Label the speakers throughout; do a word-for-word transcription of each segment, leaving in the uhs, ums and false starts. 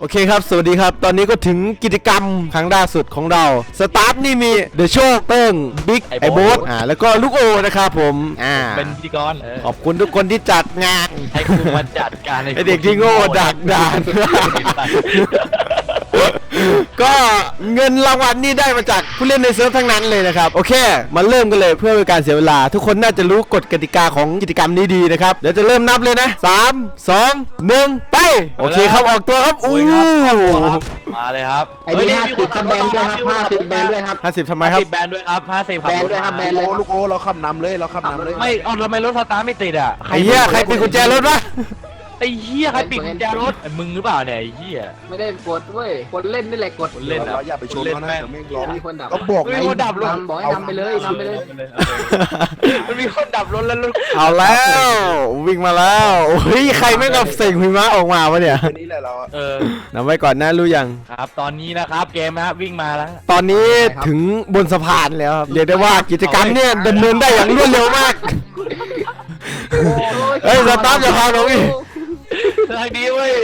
Speaker 1: โอเคครับสวัสดีครับตอนนี้ก็ถึงกิจกรรมครั้งล่าสุดของเราสตาฟนี่มีเดอะโชคเติ้งบิ๊กไอโบ๊ทอ่าแล้วก็ลูกโอนะครับผมอ่า
Speaker 2: เป็นพิธีกร
Speaker 1: ขอบคุณทุกคนที่จัดงาน
Speaker 2: ให้คุณมาจัดการ
Speaker 1: ไอเด็กที่โง่ดักดานก็เงินรางวัลนี่ได้มาจากผู้เล่นในเซิร์ฟทั้งนั้นเลยนะครับโอเคมาเริ่มกันเลยเพื่อเป็นการเสียเวลาทุกคนน่าจะรู้กฎกติกาของกิจกรรมนี้ดีนะครับเดี๋ยวจะเริ่มนับเลยนะสาม สอง หนึ่งไปโอเคครับออกตัวครับอู้
Speaker 2: มาเลยครับ
Speaker 3: ไอ้นี่ห้าสิบแบนด้วยครับห้าสิบแบนด้วยครับ
Speaker 1: ห้าสิบทำไมครับ
Speaker 2: แบนด้วยครับห้าสิบ
Speaker 3: แบนด้วยครับแบนเลย
Speaker 4: ลูกโอ้เราขับนำเลยเราขับนำเลย
Speaker 2: ไม่เอาทำไมรถสตาร์ทไม่ติดอ่ะ
Speaker 1: ไอ้เหี้ยใครปิดกุญแจรถวะ
Speaker 2: ไอ้เหี้ยใครปิดกุญแจรถมึงหรือเปล่าเนี่ยไอ้เหี้ย
Speaker 3: ไม่ได้กดเว้ยคนเล่นนี่แหละกด
Speaker 2: เล่น
Speaker 4: เราอย่าไปชนเขานะไม่ร้อง
Speaker 3: มีคนดับ
Speaker 4: ก็บอกไง
Speaker 2: มีคนดับรถ
Speaker 3: บอกให้นำไปเลยนำไปเลย
Speaker 2: มันมีคนดับรถแล้วรถ
Speaker 1: เอาแล้ววิ่งมาแล้วเฮ้ยใครไม่กับเสียงหิมะออกมาวะเนี่ย
Speaker 4: นี่แหละเรา
Speaker 2: เออ
Speaker 1: นับไว้ก่อนนะรู้ยัง
Speaker 2: ครับตอนนี้นะครับเกมนะครับวิ่งมาแล้ว
Speaker 1: ตอนนี้ถึงบนสะพานแล้วเรียกได้ว่ากิจกรรมเนี่ยดำเนินได้อย่างรวดเร็วมากเฮ้ยสตาร์ทอย่าพาลงอีก
Speaker 2: ทางดีเว้ย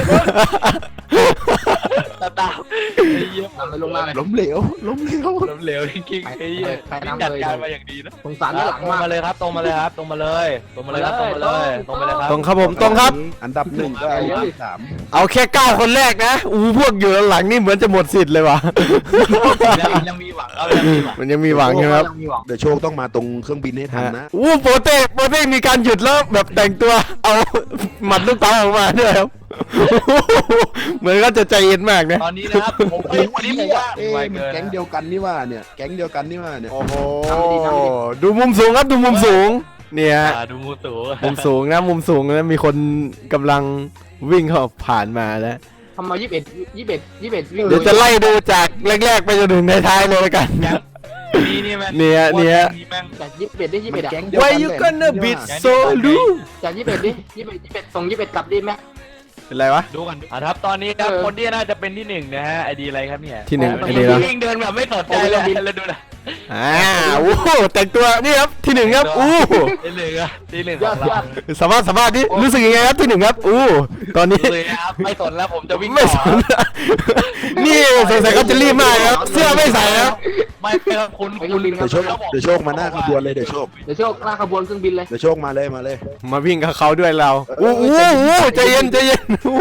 Speaker 2: ตาตา
Speaker 3: ทำไปลงมา
Speaker 4: ล้มเหลวล้มเหลว
Speaker 2: ล้มเหลวจริงๆไอ้เหี้ยจัดการมาอย่างดีนะ
Speaker 3: สงสารด้านหลัง
Speaker 2: มาเลยครับตรงมาเลยครับตรงมาเลยตรงมาเลยครับตรงมาเลยตรงมาเลยครับ
Speaker 1: ตรงครับผมตรงครับ
Speaker 4: อันดับหนึ่งก็อันดับสาม
Speaker 1: เอาแค่เก้าคนแรกนะอู้พวกอยู่หลังนี่เหมือนจะหมดสิทธิ์เลยวะ
Speaker 2: ยังมีหวังครับยังมีหวัง
Speaker 1: มันยังมีหวังใช่ไหมครับ
Speaker 4: เดี๋ยวโชคต้องมาตรงเครื่องบินให้ทันนะ
Speaker 1: อู้โปเต้โปเต้มีการหยุดแล้วแบบแต่งตัวเอาหมัดลูกเต๋าออกมาด้วยครับเหมือนก็จะใจเย็นมากนะ
Speaker 2: ตอนนี้นะครับผมไอ้วันนี้ผมว่า
Speaker 4: แก๊งเดียวกันนี่ว่าเนี่ยแก๊งเดียวกันนี่ว่าเนี่ย
Speaker 1: โอ้โหดูมุมสูงครับดูมุมสูงเนี่ย
Speaker 2: ดูมุมสูง
Speaker 1: มุมสูงนะมุมสูงนะมีคนกำลังวิ่งเข้าผ่านมาแล้ว
Speaker 3: ทำมายี่สิบเอ็ดยี่สิบเอ็ดยี่สิบเอ็ดวิ่ง
Speaker 1: เดี๋ยวจะไล่ดูจากแรกๆไปจนถึงในท้ายเลยกัน
Speaker 2: นี่นี่แม่
Speaker 1: เนี่ยเนี่ย
Speaker 3: จากยี่สิบเอ็ดได้ยี่สิบเอ็ด
Speaker 1: Why you gonna beat so low
Speaker 3: จากยี่สิบเอ็ดดิยี่สิบเอ็ดยี่สิบเอ็ดส่งยี่สิบเอ็ดกลับดิแม่
Speaker 1: เป็นไรวะ
Speaker 2: ดูกันอ่ะครับตอนนี้ครับคนที่น่าจะเป็นที่หนึ่งนะฮะไอดีอะไรครับเนี่ย
Speaker 1: ที่หนึ่งไอดี
Speaker 2: แล้ววิ่งเดินแบบไม่สนใจเลยแล้วดูนะ
Speaker 1: อ่าโอ้แต่งตัวนี่ครับที่หนึ่งครับอู้
Speaker 2: ที่หนึ่งอ่ะที่หนึ่งของเรา
Speaker 1: สามารถสามารถนี่รู้สึกยังไงครับที่หนึ่งครับอู้ตอนนี้
Speaker 2: ไม่สนแล้วผมจะวิ่ง
Speaker 1: ไม่สนนี่สงสัยเขาจะรีบมากครับเสื้อไม่ใส่ครับ
Speaker 2: ไม่เป็นคุณคุณ
Speaker 4: เดี๋ยวโชคเดี๋ยวโชคมาหน้าขบวนเลยเดี๋ยวโชค
Speaker 3: เดี๋ยวโชคหน้าขบวนเครื่องบินเลย
Speaker 4: เดี๋ยวโชคมาเลยมาเลย
Speaker 1: มาวิ่งกับเขาด้วยเราอู้อู้ใจเย็นใจเย็น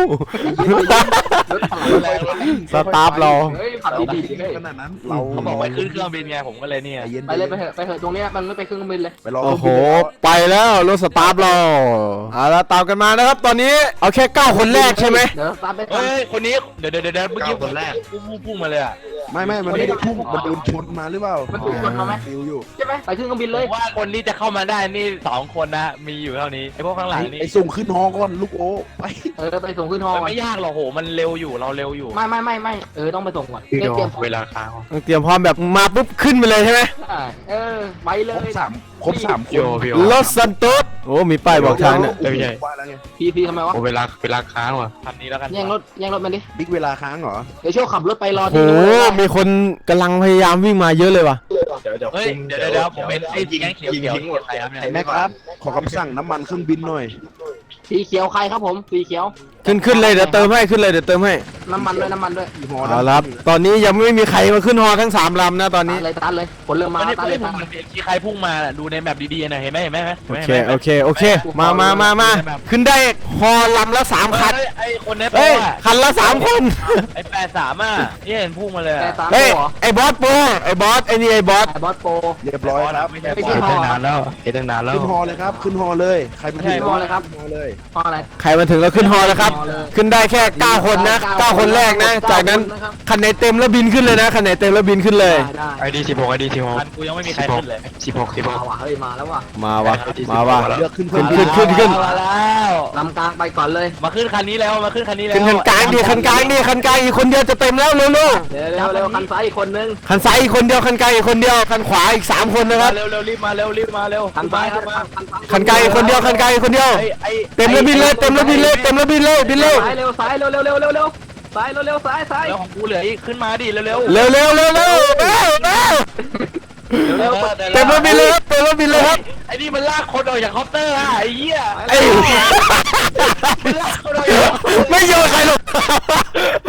Speaker 1: สตาร์ฟเรา
Speaker 3: ขับดี
Speaker 4: ๆขนาดนั้นเรา
Speaker 2: เขาบอกไปขึ้นเครื่องบินไงผมก็เลยเนี่ย
Speaker 3: ไปเลยไปเถอะไปเถอะตรงนี้มันไม่ไปเครื่องบินเลย
Speaker 1: โอ้โหไปแล้วรถสตาร์ฟเราเอาละตามกันมานะครับตอนนี้เอาแค่เก้าคนแรกใช่ไหม
Speaker 3: เดี๋ยวสตาร์ฟไป
Speaker 2: เฮ้ยคนนี้เดี๋ยวเดี๋ยวเดี๋ยวเมื่อกี้คนแรกพุ่งพุ่งมาเลยอ่ะ
Speaker 4: ไม่ไม่มันไม่ได้พุ่งมันโดนชนมาหรือเปล่า
Speaker 3: มันถูกชนมาไหม
Speaker 4: อยู่
Speaker 3: ใช่ไหมไปขึ้นเครื่องบินเลย
Speaker 2: ว่าคนที่จะเข้ามาได้นี่สองคนนะมีอยู่เท่านี้ไอพวกข้างหลังนี่
Speaker 4: ไอส่งขึ้นฮอก่อนลูกโอ้ไป
Speaker 3: เออไปส่งขึ้นฮอ
Speaker 2: ไม่ยากหรอกโหมันเร็วอยู่เราเร็วอยู่
Speaker 3: ไม่ไม่ไม่ไม่เออต้องไปส่งก่อนเตรียม
Speaker 2: เวลาค้าง
Speaker 1: ต้องเตรียมพร้อมแบบมาปุ๊บขึ้นไปเลยใช่ไหม
Speaker 3: เออไปเลย
Speaker 4: สามครบสามคน
Speaker 1: รถซันโตสโอ้มีป้ายบอกทางเนี่ย
Speaker 2: ไม่ใช่
Speaker 3: พีพีทำไมวะ
Speaker 2: เวลาเวลาค้างว่ะคันนี้แล้วกัน
Speaker 3: แย่งรถแย่งรถมันดิ
Speaker 4: บิ๊กเวลาค้างเหรอ
Speaker 3: เดี๋ยวโชว์ขับรถไปรอ
Speaker 1: ที่โอ้มีคนกำลังพยายามวิ่งมาเยอะเลยว่ะ
Speaker 2: เดี๋ยวเดี๋ยวเฮ้ยเดี๋ยวเดี๋ยวผมเป็นไอ้ยิงเขียวเขียวหมดใครครับเนี่ย
Speaker 4: แม่ครับขอคำสั่งน้ำมันเครื่องบินหน่อย
Speaker 3: สีเขียวใครครับผมสีเขียว
Speaker 1: ขึ้นขึ้นเลยเดี๋ยวเติมให้ขึ้นเลยเดี๋ยวเติมให้
Speaker 3: น้ำมันด้วยน้ำมันด้วย
Speaker 1: เอาละตอนนี้ยังไม่มีใครมาขึ้นฮอทั้งสามลำนะตอนนี้
Speaker 3: เลยตันเลยคนเริ่มมา
Speaker 2: ตันเลยผมมันมีใครพุ่งมาดูในแมปดีๆนะเห็นไหมเห็นไหม
Speaker 1: โอเคโอเคโอเคมามามามาขึ้นได้ฮอลำละสามคัน
Speaker 2: ไอ้คนนี้
Speaker 1: เฮ้ยคันละสามคน
Speaker 2: ไอ้แปดสามอ่ะนี่เห็นพุ่งมาเลย
Speaker 1: เฮ้ยไอ้บอสโปไอ้บอสไอ้นี่ไอ้บอส
Speaker 3: ไอ้บอสโป
Speaker 4: เรียบร้อยครับ
Speaker 2: ไม่ใช่ไม่ใช่ตั้งนานแล้วเห็นตั้งนานแล้ว
Speaker 4: ขึ้นฮอเลยครับขึ้นฮอเลยใครเป็นขึ้น
Speaker 3: ฮอเลยครับ
Speaker 4: ฮอเลย
Speaker 3: ฮออะไร
Speaker 1: ใครมาถึงแล้วขึ้นฮอแล้วครับขึ้นได้แค่เก้าคนนะเก้าคนแรกนะจากนั้นคันไหนเต็มแล้วบินขึ้นเลยนะคันไหนเต็มแล้วบินขึ้นเลย
Speaker 2: ไอดีสิบหกไอดีสิบหกกูยังไม่มีใครขึ้นเลยสิบหกสิบหก
Speaker 3: เฮ้ยมาแล้วว่ะ
Speaker 1: มาวะมาว่ะ
Speaker 4: เลือกขึ้น
Speaker 1: ขึ้นขึ้นขึ้นขึ้น
Speaker 2: มาแล้ว
Speaker 3: ลำกลางไปก่อนเลย
Speaker 2: มาขึ้นคันนี้แล้วมาขึ้นคันนี้แล้ว
Speaker 1: ขึ้นคันกลางดิคันกลางดิคันกลางอีกคนเดียวจะเต็มแล้วเร็วเร็ว
Speaker 3: เร็วเร็วคันซ้ายอีกคนนึง
Speaker 1: คันซ้ายอีกคนเดียวคันกลางอีกคนเดียวคันขวาอีกสามคนนะครับ
Speaker 2: เร็วเร็วรีบมาเร็วรีบมาเร็ว
Speaker 3: คันซ้ายครับ
Speaker 1: คันกลางอีกคนเดียวคันกลางอีกคนเดียวเต็มแล้วบินเลยเต็มแล้วบินเลยเต็มแล้วบินเลยบินเร็ว
Speaker 3: ซ้ายเร็วซ้ายเร็วเร็วเร็วเร็วเร็วซ้ายเร็วเร็วซ้ายซ้าย
Speaker 2: แล้วของกูเหลืออีกขึ้นมาดิเร็วเร็ว
Speaker 1: เร็วเร็วเร็วเร็วเร็วเร็วเต็มแล้วบินเลยครับเต็มแล้วบินเลยครับ
Speaker 2: ไอ้นี่มันลากคนออกจากคอปเตอร์อ่ะไอ้เหี้ย
Speaker 1: ไอ้ไม่โยนใครหรอก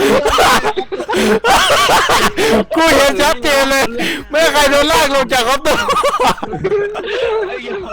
Speaker 1: ลงจากคอปเตอร์
Speaker 2: ไอ้เหี้ย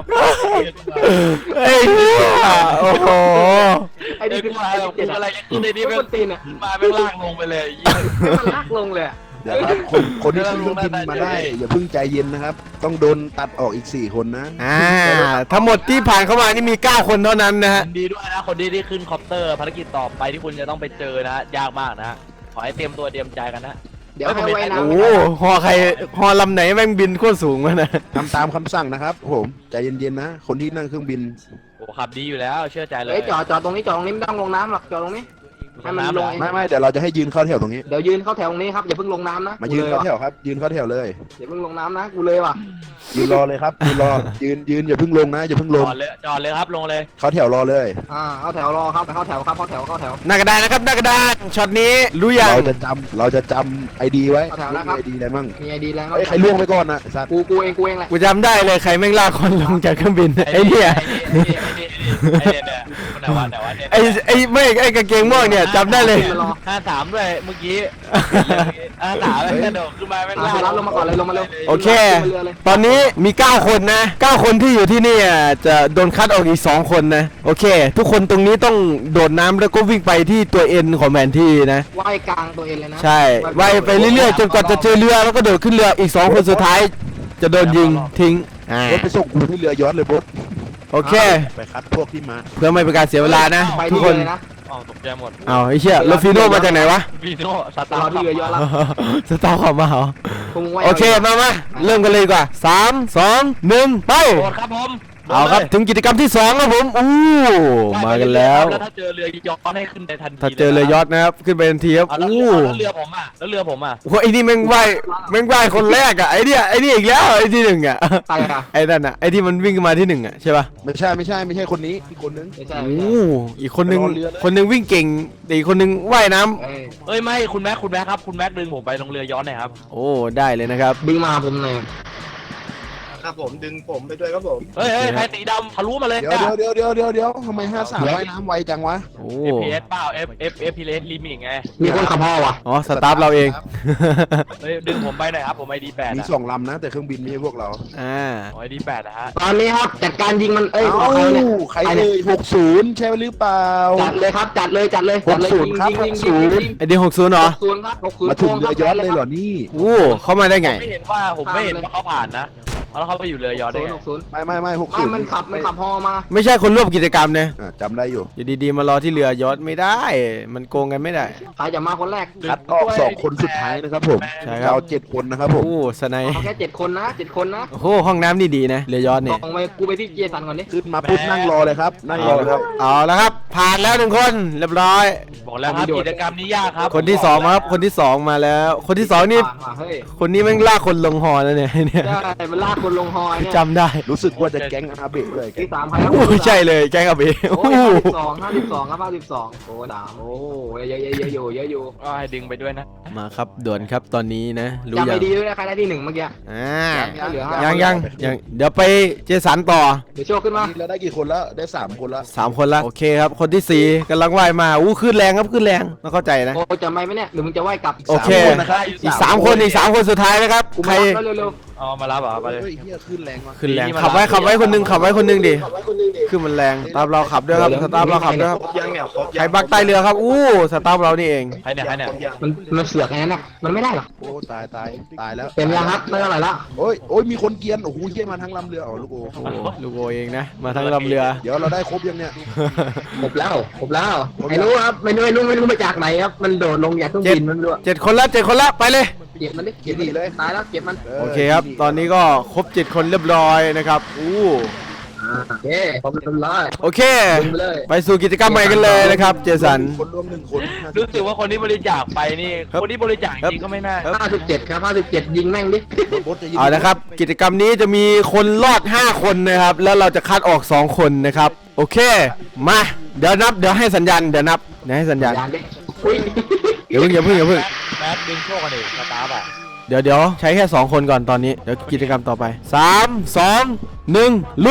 Speaker 1: ไอ้เหี้ยโอ้โห
Speaker 3: ไอ้
Speaker 2: ไอ้
Speaker 3: นี่
Speaker 2: กู
Speaker 3: คือ
Speaker 2: มา
Speaker 3: ไอ้
Speaker 2: แบบ
Speaker 3: เจ็ด
Speaker 2: กู
Speaker 3: อะ
Speaker 2: อะไร
Speaker 3: ไร
Speaker 2: จะขึ้นในนี้
Speaker 3: ไม่
Speaker 2: แม่
Speaker 3: คนตีนอ่ะ
Speaker 2: มาแม่งลากลงไปเลยไอ้เหี้ย
Speaker 3: มันลากลงเลยอะ
Speaker 4: เดี๋ยวครับคนคนที่ขึ้นเครื่องบินมาได้อย่าเพิ่งใจเย็นนะครับ ต้องโดนตัดออกอีกสี่คนนะ
Speaker 1: อ่าทั้งหมดที่ผ่านเข้ามานี่มีเก้าคนเท่านั้นนะฮะ
Speaker 2: ยินดีด้วยนะคนที่ได้ขึ้นคอปเตอร์ภารกิจต่อไปที่คุณจะต้องไปเจอนะยากมากนะขอให้เตรียมตัวเตรียมใจกันนะ
Speaker 3: เดี๋ยวให้ไว้น้ำ
Speaker 1: โอ้ฮอใครฮอลำไหนแม่งบินโคตรสูงวะนะ
Speaker 4: ทำตามคำสั่งนะครับผมใจเย็นๆนะ คนที่นั่งเครื่องบิน
Speaker 2: โอ้ขับดีอยู่แล้วเชื่อใจเลย
Speaker 3: เฮ้ยจอดจอดตรงนี้จอดตรงนี้ไม่ต้องลงน้ำหรอกจอดตรงนี้ให้มันลงเอง
Speaker 4: ไม่ไม่เดี๋ยวเราจะให้ยืนเข้าแถวตรงนี้
Speaker 3: เดี๋ยวยืนเข้าแถวตรงนี้ครับอย่าเพิ่งลงน้ำนะ
Speaker 4: มายืน
Speaker 3: กูล
Speaker 4: เข้า
Speaker 3: ว่ะ
Speaker 4: แถวครับ ยืนเข้าแถวเลย
Speaker 3: อย่าเพิ่งลงน้ำนะกูเลยว่ะ
Speaker 4: ยืนรอเลยครับยืนรอยืนยืนอย่าเพิ่งลงนะอย่าเพิ่ง
Speaker 2: จ
Speaker 4: ล
Speaker 2: อง ดเลยจอดเลยครับลงเลย
Speaker 4: เข้าแถวรอเลย
Speaker 3: อ่าเข้าแถวรอครับเข้าแถวครับเข้าแถวเข้าแถว
Speaker 1: หน้ากระดานนะครับหน้ากระดานช็อตนี้รู้ยัง
Speaker 4: เราจะจำเราจะจำไอดีไว้
Speaker 3: เข้าแถวนะครับ
Speaker 4: ไอดีอะไรมั่ง
Speaker 3: มีไอดีแล้ว
Speaker 4: เฮ้ยใครล่วงไปก่อนนะสัตว์
Speaker 3: กูกูเองกูเองแหละ
Speaker 1: กูจำได้เลยใครแม่งลากคนลงจากเครื่องบินไอ้เนี่ย
Speaker 2: ไอ้เนี่ยไอ้เนี่ยไอ้เนี่ยคนไหนวะไหนวะเนี่ย
Speaker 1: ไอ้ไอ้ไม่ไอ้กางเกงม่วงเนี่ยจำได้เลย
Speaker 2: ห้าสามด้วยเมื่อกี้ห้าสามกระโดดขึ้นมาแม่ง
Speaker 3: อ่ะ
Speaker 2: ลาก
Speaker 3: รับลงมาก่อนเลยลงมาเร็ว
Speaker 1: โอเค
Speaker 3: ขึ้นมาเรือเลย
Speaker 1: ตอนนี้มีเก้าคนนะเก้าคนที่อยู่ที่นี่อ่ะจะโดนคัดออกอีกสองคนนะโอเค ทุกคนตรงนี้ต้องโดดน้ำแล้วก็วิ่งไปที่ตัวเอ็นของแผนที่นะ
Speaker 3: ว่ายกลางตัวเองเลยนะ
Speaker 1: ใช่ว่ายไปเรื่อยๆจนกว่าจะเจอเรือแล้วก็โดดขึ้นเรืออีกสองคนสุดท้าย จะโดนยิงทิ้งอ่าร
Speaker 4: ถไปส่งกูที่เรือยอชต์เลยบุ๊บ
Speaker 1: โอเค
Speaker 4: ไปคัดพวกที่มา
Speaker 1: เพื่อไม่เป็นการเสียเวลานะ
Speaker 3: ไป
Speaker 1: ทุก
Speaker 3: ที่
Speaker 1: ค
Speaker 3: เรือน เลยนะ
Speaker 2: อ๋อตกใจหมด
Speaker 1: เอาไอ้เชี่ยแล้วฟีโน่มาจากไหนวะ
Speaker 2: วีโน่ส
Speaker 3: ต
Speaker 2: ตา
Speaker 3: ลอ
Speaker 2: ร์
Speaker 3: ดที่เรือยอดแล้ว
Speaker 1: สตาร์ขับมาเหรอ
Speaker 3: พวกมึงว่าย
Speaker 1: โอเคมามาเริ่มกันเลยดีกว่าสามสองหนึ่งไป
Speaker 2: โดดครับผม
Speaker 1: เอาครับถึงกิจกรรมที่สองครับผมอู้มากันแล้ว
Speaker 2: แล้วถ้าเจอเรือย้อนให้ขึ้นในทันที
Speaker 1: ถ้าเจอเรือยอชต์นะครับขึ้นไปทันทีครับ
Speaker 2: เอาแล้ว
Speaker 1: อู้
Speaker 2: แล้วเรือผมอ่ะแล้วเรือผมอ่ะ
Speaker 1: โอ้ไอ้นี่แม่งว่ายแม่งว่ายคนแรกอ่ะไอ้เนี่ยไอ้นี่อีกแล้วไอ้ที่หนึ่งอ่ะ
Speaker 3: ไปอ่ะ
Speaker 1: ไอ้นั่นอ่ะไอ้ที่มันวิ่งมาที่หนึ่งอ่ะใช่ป่ะ
Speaker 4: ไม่ใช่ไม่ใช่ไม่ใช่คนนี้อีกคนนึง
Speaker 3: ไม่ใช่
Speaker 1: โอ้
Speaker 3: ไม่ใช่
Speaker 1: อีกคนนึง
Speaker 4: ไปรอเรือเลย
Speaker 1: คนนึงวิ่งเก่งแต่อีกคนนึงว่ายน้ำ
Speaker 3: เอ้ย
Speaker 2: เอ้ยไม่คุณแม็กคุณแม็กครับคุณแม็กดึงผมไปลงเรือย้อนหน่อยครับ
Speaker 1: โอ้ได้เลยนะครับ
Speaker 3: ดึงมาผมหน่อย
Speaker 5: ครับผมดึงผมไปด้วยครับผม
Speaker 2: เฮ้ยเฮ้ยใครสีดำทะลุมาเลย
Speaker 4: เดี๋ยวเดี๋ยวเดี๋ยวเดี๋ยวเดี๋ยวทำไมห้าสามว่ายน้ำไวจังวะ
Speaker 1: โอ้
Speaker 2: เอฟพีเอสเปล่า F F F P S ลิมิตไง
Speaker 3: มีคนขับพ่อว่ะ
Speaker 1: อ๋อสตาฟเราเอง
Speaker 2: เฮ้ยดึงผมไปหน่อยครับผมไอดีแปด
Speaker 4: มี
Speaker 2: อะ
Speaker 4: สองลำนะ แต่เครื่องบินไม่ใช่พวกเรา
Speaker 1: อ่า
Speaker 2: ไอดีแปดนะฮะ
Speaker 3: ตอนนี้ครับจัดการยิงมันเอ้ย
Speaker 4: เอ้า
Speaker 3: เอาใครเนี่ย
Speaker 4: ใครเลยหกศูนย์ใช่หรือเปล่า
Speaker 3: จัดเลยครับจัดเลยจัดเลยจัดเลย
Speaker 4: หกศูนย์ครับ
Speaker 3: ยิงยิงยิงยิง
Speaker 1: ไอเดียหกศูนย์เหรอ
Speaker 3: หกศูนย์ครับหกศูนย์
Speaker 4: มาถึงเรือยอชต์เลยเหรอนี่
Speaker 1: โอ้เข้ามาได้ไง
Speaker 2: ไม่เห็นว่าผมไม่เห็นว่าเขาผ่านนะแล้วเขาไปอยู่เรือย้อนได้
Speaker 3: ศูน
Speaker 2: ไง
Speaker 3: ย์หกศูนย์
Speaker 4: ไม่ไม่ไม่หก
Speaker 3: ไม่
Speaker 4: ศูนย์
Speaker 3: มันขับมันขับฮอมา
Speaker 1: ไม่ใช่คนร่วมกิจกรรมนะ
Speaker 4: อ่ะจำได้อยู่
Speaker 1: อยู่ดีๆมารอที่เรือยอชต์ไม่ได้ มันโกงกันไม่ได้
Speaker 3: ใครจะมาคนแรก
Speaker 4: คัดออกสองคนสุดท้ายนะครับผม
Speaker 1: ใช่ครับ
Speaker 4: เราเจ็ดคนนะครับผม
Speaker 1: โอ้สไนป์
Speaker 3: เอาแค่เจ็ดคนนะเจ็ดคนนะ
Speaker 1: โอ้โหห้องน้ำนี่ดีนะเรือยอชต์
Speaker 3: ส่
Speaker 1: นี่
Speaker 3: งไปกูไปที่เจสันก่อนดิ
Speaker 4: ขึ้นมาปุ๊บนั่งรอเลยครับนั่งรอเลยครับ
Speaker 1: เอาแล้วครับ ผ่านแล้วหนึ่งคนเรียบร้อย
Speaker 2: บอกแล้วครับกิจกรรมนี้ยากครับ
Speaker 1: คนที่สองมาครับคนที่สองมาแล้ว คนที่สองนี่
Speaker 3: มาเฮ้ย
Speaker 1: คนนี้แม่งลากคนลงหอแล้วเนี่ยเนี่ย
Speaker 3: ได้มันลากคนลงฮอเนี่ย
Speaker 1: จำได้
Speaker 4: รู้สึกว่าจะแก๊งอาเบะเลย
Speaker 3: ที่สามใครครับ
Speaker 1: โอ้ใช่เลยแกงกับเบ
Speaker 3: โอ้
Speaker 1: โอ้
Speaker 3: ย
Speaker 1: โห
Speaker 3: ห้าสิบสองห้าสิบสองครับห้าสิบสองโอ้สามโอ้เยอะเยอะเยอะอยู่เยอะอยู่
Speaker 2: ก็ให้ดึงไปด้วยนะ
Speaker 1: มาครับด่วนครับตอนนี้นะรู้
Speaker 3: จำ
Speaker 1: ยั
Speaker 3: ไป
Speaker 1: ง
Speaker 3: ดีด้วยนะใครได้ที่หนึ่งเมื่อกี้
Speaker 1: อ่า
Speaker 3: เหลือห้า
Speaker 1: ยังยังยังเดี๋ยวไปเจสันต่อ
Speaker 3: เดี๋ยวโชว์ขึ้นมา
Speaker 4: เราได้กี่คนแล้วได้สามคนแล้ว
Speaker 1: สามคนละโอเคครับ คนที่สี่กำลังว่ายมาอู้ขึ้นแรงครับขึ้นแรงต้องเข้าใจนะ
Speaker 3: โอ้จะไม่ไหมเนี่ยหรือมึงจะไหวกลับ
Speaker 1: โอเค
Speaker 4: สามนนะครับ
Speaker 1: อีกสามคนอีกสามคนสุดท้ายนะครับ
Speaker 3: กู
Speaker 1: ใคร
Speaker 3: มารับเร็ว
Speaker 2: เอามารับเหรอไปเลย
Speaker 4: เฮ้ยเฮียขึ้นแรงว่ะ
Speaker 1: ขึ้นแรง
Speaker 2: ที่มา
Speaker 1: ขับไว้
Speaker 2: รับ
Speaker 1: ขับไว้คนหนึงขับไว้คนหนึงดิขึ้นมันแรงสตาร์ฟเราขับด้วยครับสตาร์ฟเราขับด้วยครับ
Speaker 5: ครบยังเนี่ยครบยัง
Speaker 1: ใครบักใต้เรือครับอู้สตาร์ฟเรานี่เอง
Speaker 2: ใครเนี่ยใครเนี่ย
Speaker 5: ครบยัง
Speaker 3: ๆมันมันเสือกไงนั่นน่ะมันไม่ได้หรอก
Speaker 4: โอ้ตายตายตายแล้ว
Speaker 3: เต็มยังครับไม่เท่าไหร่ละ
Speaker 4: โอ้ยโอ้ยมีคนเกรียนโอ้โหเฮียมาทั้งลำเรืออ๋อลูกโอ้
Speaker 1: โอ้ลูกโอเองนะมาทั้งลำเรือ
Speaker 4: เดี๋ยวเราได้ครบยังเนี่ย
Speaker 3: ครบแล้วครบแล้วไอ้รู้ครับไม่รู้ไม่รู้ไม่รู้มาจากไหนครับมันโดดลงจากเครื่องบินมันไม่รู้
Speaker 1: เจ็ดคนละเจ็ดคนละไปเลย
Speaker 3: เก็บมันดิเก็บมันดิตายแล้วเก็บมัน
Speaker 1: โอเคครับ ตอนนี้ก็ครบเจ็ดคนเรียบร้อยนะครับอู้
Speaker 3: อ่าโอเคขอบคุณร้อย
Speaker 1: โอเค
Speaker 3: ดึงไปเลย
Speaker 1: ไปสู่กิจกรรมใหม่กันเลยนะครับ เจสัน
Speaker 4: คนรวมหนึ่งคน
Speaker 2: รู้สึกว่าคนที่บริจาคไปนี่
Speaker 1: ครับ
Speaker 2: คนที่บริจาคจริงก็ไม่น่า
Speaker 3: ห้าสิบเจ็ดครับห้าสิบเจ็ดยิงแม่งดิ
Speaker 4: บดจะยิง
Speaker 1: เอานะครับ กิจกรรมนี้จะมีคนรอดห้าคนนะครับ แล้วเราจะคัดออกสองคนนะครับ โอเค มา เดี๋ยวนับ เดี๋ยวให้สัญญาณ เดี๋ยวนับ เดี๋ยวให้สัญญาณ
Speaker 3: ยานดิอุ้ย
Speaker 1: เดี๋ยวเพิ่งอย่าเพิ่งอย่าเพิ่ง
Speaker 2: แมทดึงโชคกันดิสตาร์ฟอ่ะ
Speaker 1: เดี๋ยวเดี๋ยวใช้แค่สองคนก่อนตอนนี้ เดี๋ยวกิจกรรมต่อไปสาม สอง หนึ่งลุย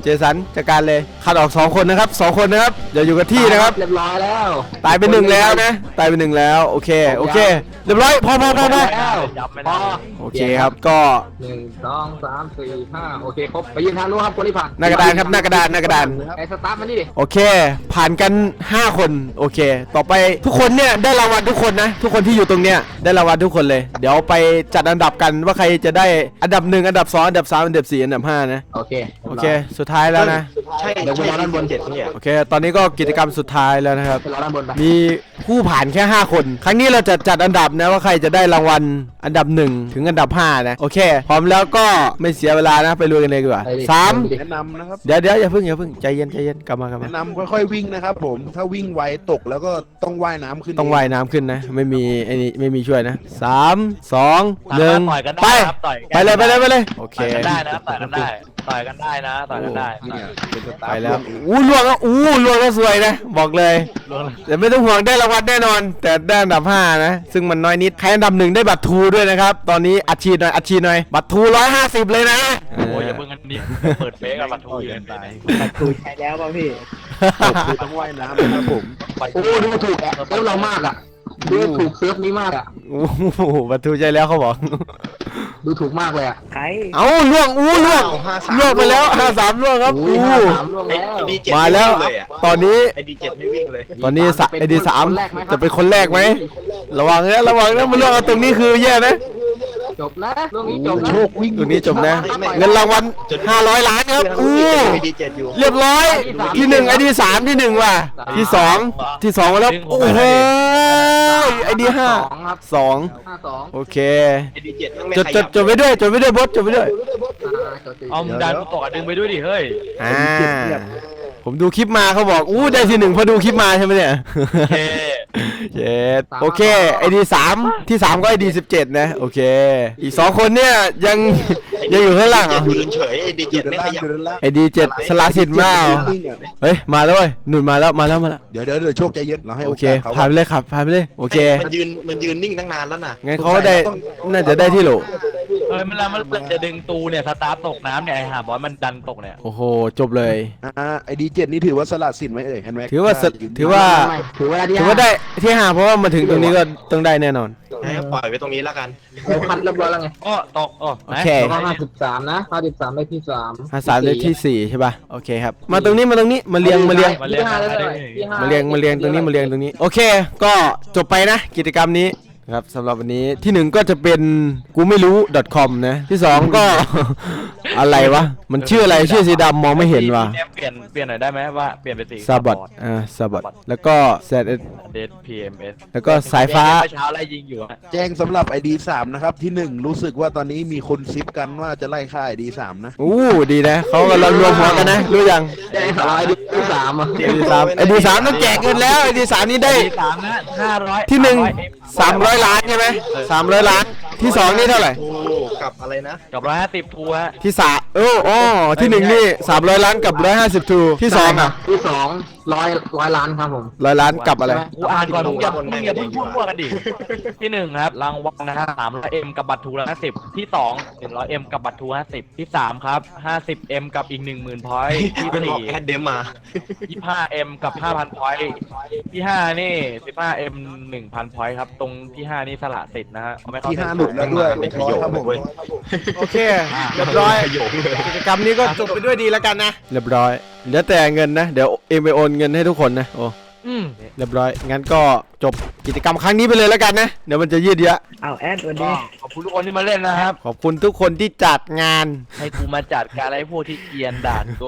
Speaker 1: เจสันจัดการเลยคัดออกสองคนนะครับสองคนนะครับอย่าอยู่กับที่นะครับ
Speaker 3: เรียบร้อยแล้ว
Speaker 1: ตายไปหนึ่งแล้วนะตายไปหนึ่งแล้วโอเคโอเคเรียบร้อยพอพอพอพอ
Speaker 2: ยับไม่
Speaker 3: พ
Speaker 2: ได้
Speaker 3: อ
Speaker 1: โอเคครับก็
Speaker 3: หนึ่งสองสามสี่ห้าโอเคครบไปยืนทางนู้นครับคนที่ผ่าน
Speaker 1: หน้ากระดานครับหน้ากระดานหน้ากระดาน
Speaker 3: ไอ้สตาร์ทมานี่ดิ
Speaker 1: โอเค ผ่านกันห้าคนโอเค ต่อไปทุกคนเนี่ยได้รางวัลทุกคนนะทุกคนที่อยู่ตรงเนี้ยได้รางวัลทุกคนเลยเดี๋ยวไปจัดอันดับกันว่าใครจะได้อันดับหนึ่งอันดับสองอันดับสามอันดับสี่อันดับห้านะ
Speaker 3: โอเค
Speaker 1: โอเคสุดท้ายแล้วนะ
Speaker 5: ใช่
Speaker 3: เดี๋ยวผมรอด้านบน
Speaker 5: เจ็ดเนี่ย
Speaker 1: โอเค ตอนนี้ก็กิจกรรมสุดท้ายแล้วนะครับ
Speaker 3: ไปรอด้านบนไป
Speaker 1: มีผู้ผ่านแค่ห้าคน ครั้งนี้เราจะจัดอันดับนะว่าใครจะได้รางวัลอันดับหนึ่งถึงอันดับห้านะ โอเค พร้อมแล้วก็ไม่เสียเวลานะ ไปลุยกันเลยดีกว่าสาม
Speaker 4: แนะนำนะครับ
Speaker 1: เดี๋ยวเดี๋ยวอย่าเพิ่งอย่าเพิ่งใจเย็นใจเย็นกลับมากลับมา
Speaker 4: แนะนำค่อยๆวิ่งนะครับผมถ้าวิ่งไวตกแล้วก็ต้องว่ายน้ำขึ้น
Speaker 1: ต้องว่ายน้ำขึ้นนะ ไม่มีไอ้นี่ไม่มีช่วยนะสามสอง
Speaker 2: สา
Speaker 1: หนึ่
Speaker 2: มาง รถต่อยกัน
Speaker 1: ไป
Speaker 2: ได้ครับต่อย
Speaker 1: ไปเลยไปเลยไปเลยโอเค
Speaker 2: ต่อยกันได้นะต่อยกันได้ต่อยกันได้นะต่อยกันได้
Speaker 4: เนี่ยเป็นสตา
Speaker 1: ไป
Speaker 4: ร์
Speaker 1: แล้วอู้ล่วงแล้วอู้ล่วงแล้วสวยนะบอกเลย
Speaker 2: ล่วงเลย
Speaker 1: แต่ไม่ต้องห่วงได้รางวัลแน่นอน แต่ได้อันดับห้านะ ซึ่งมันน้อยนิดใครอันดับหนึ่งได้บัตรทูด้วยนะครับ ตอนนี้อัดฉีดหน่อยอัดฉีดหน่อยบัตรทูร้อยห้าสิบเลยนะ
Speaker 2: โอ้ยอย่าเพิ่งกันดิเปิดเฟซกับบัตรทูเกินไป
Speaker 5: ถูกใช้แล้วป่ะพี่
Speaker 4: ตกคือต้องว่ายน้ำนะครับผม
Speaker 3: โอ้ดูถูกแอปเซิร์ฟเรามากอ่ะดูถูกเซิร์ฟนี้มากอ่ะ
Speaker 1: โอ้โหบัตรทูใจแล้วเขาบอก
Speaker 3: ดูถูกมากเลยอ่ะ
Speaker 5: ใคร
Speaker 1: เอ้าล่วงอู้ล่วง
Speaker 5: ห้าสาม
Speaker 1: ล่วงไปแล้วห้าสามล่วงครับ
Speaker 3: อุ้ย
Speaker 1: อู้
Speaker 3: ห้าสามล่วงแล้ว
Speaker 5: ดีเจ็ด
Speaker 1: มาแล้ว
Speaker 5: เลยอ่ะ
Speaker 1: ตอนนี้
Speaker 5: ไอดีเจ็ดไม่วิ่งเลย
Speaker 1: ตอนนี้สะไอดีสาม
Speaker 3: คนแรกไหมครับ
Speaker 1: จะเป็นคนแรกไหมระวังนะระวังนะมันล่วงเอาตรงนี้คือแย่นะ
Speaker 3: จบนะเรื่องนี้จบนะ
Speaker 4: โชควิ่ง
Speaker 1: ตรงนี้จบนะ เงินรางวัลห้าร้อยล้านครับอู้
Speaker 5: ไอดีเจ็ดอยู่
Speaker 1: เรียบร้อยที่หนึ่งไอดีสามที่หนึ่งว่ะที่สองที่สองมาแล้วโอ้โหไอดีห้า
Speaker 3: สองครับ
Speaker 1: สอง
Speaker 3: ห้าสอง
Speaker 1: โอเค
Speaker 5: ไอดีเจ็ดไม่
Speaker 1: จด
Speaker 5: ข
Speaker 1: จ
Speaker 5: ยั
Speaker 1: ด
Speaker 5: บ
Speaker 1: จดไว้ด้วยจดไว้ด้วยบอสจดไว้ด้วย
Speaker 3: อ่าจดสิ
Speaker 2: เอามึงดันกูตกอ่ะดึงไปด้วยดิเฮ้ย
Speaker 1: อ่าผมดูคลิปมาเขาบอกอู้ได้ที่หนึ่งเพราะดูคลิปมาใช่ไหมเนี่ย
Speaker 2: โอเค
Speaker 1: เจ็ดโอเคไอดีสามที่สามก็ไอดีสิบเจ็ดนะโอเค อีกสองคนเนี่ยยังยังอยู่ข้างล่างเหรอ
Speaker 5: ยืนเฉยไอดี
Speaker 4: จุ
Speaker 5: เจ็
Speaker 4: ด
Speaker 5: ดไม่
Speaker 4: ด้าน
Speaker 5: ขยับ
Speaker 4: จุดด้านล่าง
Speaker 1: ไอดีเจ็ดสลาสิทธิ์มาเหรอ
Speaker 4: วิ่งอ่ะ
Speaker 1: เฮ้ยมาแล้วเว้ยหนุนมาแล้วมาแล้วมาแล้ว
Speaker 4: เดี๋ยวเดี๋ยวเดี๋ยวโชคใจเย็นเราให้
Speaker 1: โอ
Speaker 4: โอ
Speaker 1: เค
Speaker 4: กาสเขา
Speaker 1: ผ่านไปเลยครับผ่านไปเลยโอเค
Speaker 5: มันยืนมันยืนนิ่งตั้งนานแล้วน่ะ
Speaker 1: งั้นเขาก็ได้น่าจะได้ที่โหล
Speaker 2: เฮ้ยมันแล้วมันจะดึงตูเนี่ยสตาร์ทตกน้ำเนี่ยไอ้ห่าบอสมันดันตกเนี่ย
Speaker 1: โอ้โหจบเลย
Speaker 4: อ่าไอดีเจ็ดนี่ถือว่าสละสิทธิ์ไหมเอ่ยเห็นไหม
Speaker 1: ถือว่าสถือว่า
Speaker 3: ไม่ถือว่าที่
Speaker 1: ถือว่าได้ที่ห้าเพราะว่ามาถึงตรงนี้ก็ต้องได้แน่นอน
Speaker 5: ให้ปล่อยไว้ตรงนี้แล้วกัน
Speaker 3: เขาคัดเรียบร้อยแล้วไง
Speaker 2: ก็ตกอ๋อ
Speaker 1: โอเค
Speaker 3: แล้วก็ห้าสิบสามนะห้าสิบสามได้ที่สาม
Speaker 1: ห้าสามได้ที่สี่ใช่ป่ะโอเคครับมาตรงนี้มาตรงนี้มาเรียงมาเรียง
Speaker 2: มาเรียง
Speaker 3: ที่ห้าได้
Speaker 2: มา
Speaker 3: เล
Speaker 2: เรีย
Speaker 3: ย
Speaker 2: ง
Speaker 3: ที่ห้
Speaker 1: มาเรียงมาเรียงตรงนี้มาเรียงตรงนี้โอเค ก็จบไปนะ กิจกรรมนี้นะครับสำหรับวันนี้ที่หนึ่งก็จะเป็นกูไม่รู้ .com นะที่สองก็ อะไรวะมันชื่ออะไรชื่อสีดำมองไม่เห็นว่ะ
Speaker 2: เปลี่ยนเปลี่ยนหน่อยได้ไหมว่าเปลี่ยนเป็นสี
Speaker 1: ซาบอดอ่าซาบอดแล้วก็แซด
Speaker 2: เดทพีเอ็มเอส
Speaker 1: แล้วก็สายฟ้า
Speaker 2: เช้าไล่ยิงอยู่อะ
Speaker 4: แจ้งสำหรับไอดีสามนะครับที่หนึ่งรู้สึกว่าตอนนี้มีคนซิปกันว่าจะไล่ค่าไอดีสามนะ
Speaker 1: อู้ดีนะเขากำลังรวมหัวกันนะรู้ยัง
Speaker 3: ได้สามได้ที่สามอ่ะ
Speaker 1: ไอดีสามไอดีสามต้องแจกเงินแล้วไอดีสามนี่ได้
Speaker 2: สามนะห้าร้อย
Speaker 1: ที่หนึ่งสามร้อยล้านใช่ไหมสามร้อยล้านที่สองนี่เท่าไหร่
Speaker 5: โอ้กับอะไรนะ
Speaker 2: กับร้อยห้าสิบทัวร์
Speaker 1: ที่สามเอออ๋อที่หนึ่งนี่สามร้อยล้านกับร้อยห้าสิบทูที่สองอ่ะ
Speaker 3: ที่สองร้อยร้อยล้านครับผม
Speaker 1: ร้อยล้านกับอะไร
Speaker 2: กูอ่านก่อนมึงอย่ามึงอย่าเพิ่งพูดมั่วกันดิที่หนึ่งครับรางวัลนะฮะสามร้อยเอ็มกับบัตรทูละห้าสิบที่สองหนึ่งร้อยเอ็มกับบัตรทูห้าสิบที่สามครับห้าสิบเอ็มกับอีกหนึ่งหมื่นพอยต์ที่
Speaker 5: เป็นบอก
Speaker 2: สี่
Speaker 5: แอดเดมมา
Speaker 2: ยี่ห้าเอ็มกับห้าพันพอยต์ที่ห้านี่สิบห้าเอ็มหนึ่งพันพอยต์ครับตรงที่ห้านี่สละสิทธิ์นะฮะเอาไม่เข้า
Speaker 4: ที่ห้าหลุดแล้วด้วย
Speaker 5: เป็นข
Speaker 4: ร้อย
Speaker 5: ยง
Speaker 4: ครับผม
Speaker 5: เว้ย
Speaker 1: โอเคเรียบร้อย
Speaker 5: ขยงเลย
Speaker 1: กิจกรรมนี้ก็จบไปด้วยดีแล้วกันนะเรียบร้อยเหลือแต่เงินนะเดี๋ยวเอ็มไปโอนเงินให้ทุกคนนะโอ้
Speaker 2: อืม
Speaker 1: เรียบร้อยงั้นก็จบกิจกรรมครั้งนี้ไปเลยแล้วกันนะเดี๋ยวมันจะยืดเยอะ
Speaker 5: อ้าวแอดวัน
Speaker 2: ก็
Speaker 5: นี้
Speaker 2: ขอบคุณทุกคนที่มาเล่นนะครับ
Speaker 1: ขอบคุณทุกคนที่จัดงาน
Speaker 2: ให้กูมาจัดการอะไรพวกที่เกรียนด่านกู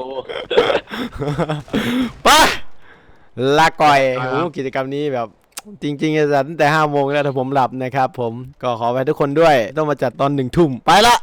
Speaker 1: ไปลาก่อยโอ้กิจกรรมนี้แบบจริงๆจะจัดตั้งแต่ห้าโมงแล้วแต่ผมหลับนะครับผมก็ขอไปทุกคนด้วยต้องมาจัดตอนหนึ่งทุ่มไปละ